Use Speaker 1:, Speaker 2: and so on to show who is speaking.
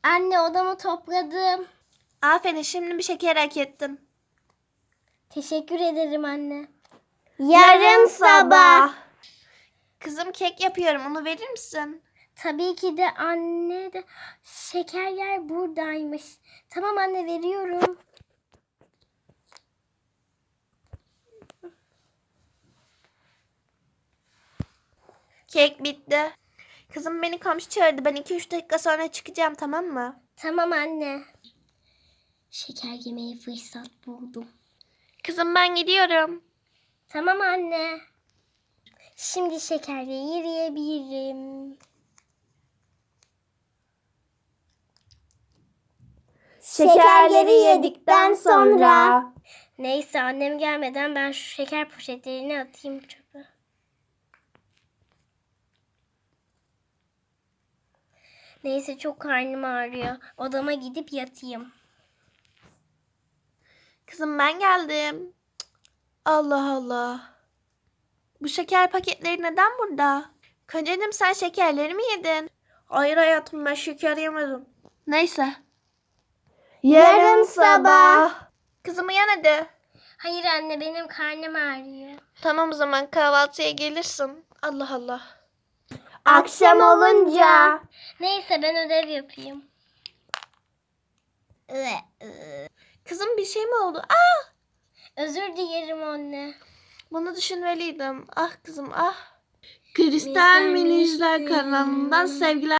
Speaker 1: Anne odamı topladım.
Speaker 2: Aferin, şimdi bir şeker hak ettin.
Speaker 1: Teşekkür ederim anne.
Speaker 2: Yarın sabah. Kızım kek yapıyorum, onu verir misin?
Speaker 1: Tabii ki de anne de şekerler buradaymış. Tamam anne veriyorum.
Speaker 2: Kek bitti. Kızım beni komşu çağırdı. Ben 2-3 dakika sonra çıkacağım, tamam mı?
Speaker 1: Tamam anne. Şeker yemeye fırsat buldum.
Speaker 2: Kızım ben gidiyorum.
Speaker 1: Tamam anne. Şimdi şekerleri yiyebilirim.
Speaker 2: Şekerleri yedikten sonra.
Speaker 1: Neyse annem gelmeden ben şu şeker poşetlerini atayım çöpe. Neyse çok karnım ağrıyor. Odama gidip yatayım.
Speaker 2: Kızım ben geldim. Cık, Allah Allah. Bu şeker paketleri neden burada? Kocacığım sen şekerleri mi yedin? Hayır hayatım, ben şeker yemedim. Neyse. Yarın sabah. Kızım uyan hadi.
Speaker 1: Hayır anne benim karnım ağrıyor.
Speaker 2: Tamam o zaman kahvaltıya gelirsin. Allah Allah.
Speaker 1: Akşam
Speaker 2: olunca.
Speaker 1: Neyse ben ödev yapayım.
Speaker 2: Kızım bir şey mi oldu?
Speaker 1: Özür dilerim anne.
Speaker 2: Bunu düşünmeliydim. Ah kızım ah. Kristal Minijler kanalından sevgiler.